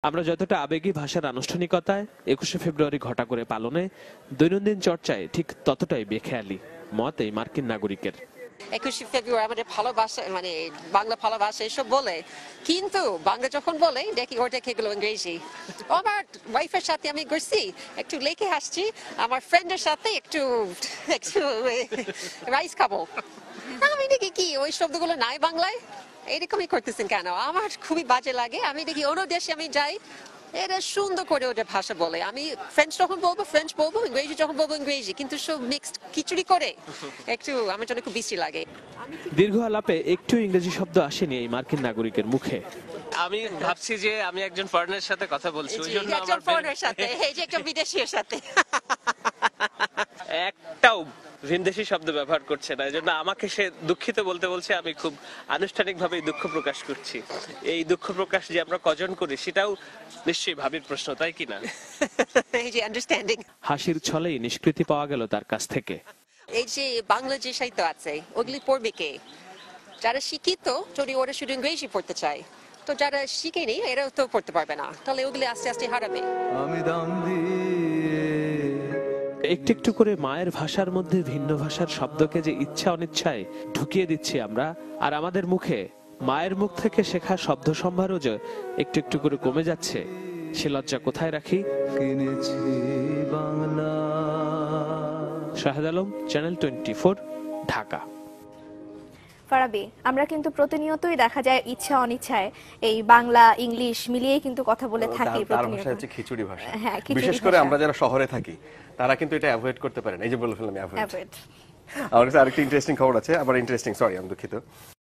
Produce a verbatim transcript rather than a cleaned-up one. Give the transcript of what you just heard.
আমরা যতটা আবেগী ভাষার আনুষ্ঠানিকতায় একুশে ফেব্রুয়ারি ঘটা করে পালনে দৈনন্দিন চর্চায় ঠিক ততটাই বেখেয়ালি মত এই মার্কিন নাগরিকের। একুশে ফেব্রুয়ারি আমাদের ভালোবাসা মানে বাংলা ভালোবাসা এসব বলে, কিন্তু বাংলা যখন বলে দেখি ওটা এগুলো ইংরেজি। আমার ওয়াইফের সাথে আমি গেছি একটু লেকে আসছি, আমার ফ্রেন্ডের সাথে একটু একটু রাইস খাবো, আমি দেখি কি ওই শব্দগুলো নাই বাংলায়, এরকমই করতেছেন কেন? আমার খুবই বাজে লাগে। আমি দেখি অন্য দেশে আমি যাই, এরা সুন্দর করে ওদের ভাষা বলে, আমি ফ্রেঞ্চ যখন বলবো ফ্রেঞ্চ বলবো, ইংরেজি যখন বলবো ইংরেজি, কিন্তু সব মিক্সড খিচুড়ি করে একটু আমার জন্য খুব বিশ্রী লাগে। দীর্ঘ আলাপে একটু ইংরেজি শব্দ আসেনি এই মার্কিন নাগরিকের মুখে। আমি ভাবছি যে আমি একজন ফরেনারের সাথে কথা বলছি, ওই জন্য একজন ফরেনারের সাথে, এই যে একজন বিদেশীর সাথে একটাও ভিনদেশী শব্দ ব্যবহার করছে না, এজন্য আমাকে সে দুঃখিত বলতে বলছে। আমি খুব আনুষ্ঠানিকভাবে দুঃখ প্রকাশ করছি। এই দুঃখ প্রকাশ যে আমরা কজন করি সেটাও নিশ্চয়ই ভাবির প্রশ্ন, তাই কিনা? এই যে আন্ডারস্ট্যান্ডিং, হাসির ছলেই নিষ্কৃতি পাওয়া গেল তার কাছ থেকে। এই যে বাংলা যে সাহিত্য আছে ওগুলি পড়বে কে? যারা শিক্ষিত যদি ওরা শুধু ইংরেজি পড়তে চায়, তো যারা শিখেনি এরাও তো পড়তে পারবে না, তাহলে ওগুলি আস্তে আস্তে হারাবে। আমি দাম দিয়ে একটু একটু করে মায়ের ভাষার মধ্যে ভিন্ন ভাষার শব্দকে যে ইচ্ছা অনিচ্ছায় ঢুকিয়ে দিচ্ছি আমরা, আর আমাদের মুখে মায়ের মুখ থেকে শেখা শব্দ সম্ভারও যে একটু একটু করে কমে যাচ্ছে, সে লজ্জা কোথায় রাখি? কিনেছি বাংলা। Shahed Alam, channel twenty, Dhaka. ফারাবি, আমরা কিন্তু প্রতিনিয়তই দেখা যায় ইচ্ছা অনিচ্ছায় এই বাংলা ইংলিশ মিলিয়ে কিন্তু কথা বলে থাকি। তার ভাষা হচ্ছে খিচুড়ি ভাষা। হ্যাঁ, খিচুড়ি বিশেষ করে ভাষা। আমরা যারা শহরে থাকি তারা কিন্তু এটা অ্যাভয়েড করতে পারেন। এই যে বলে ফেললাম অ্যাভয়েড। Avoid। আমার কাছে আরেকটা ইন্টারেস্টিং খবর আছে, আবার ইন্টারেস্টিং সরি আমি দুঃখিত।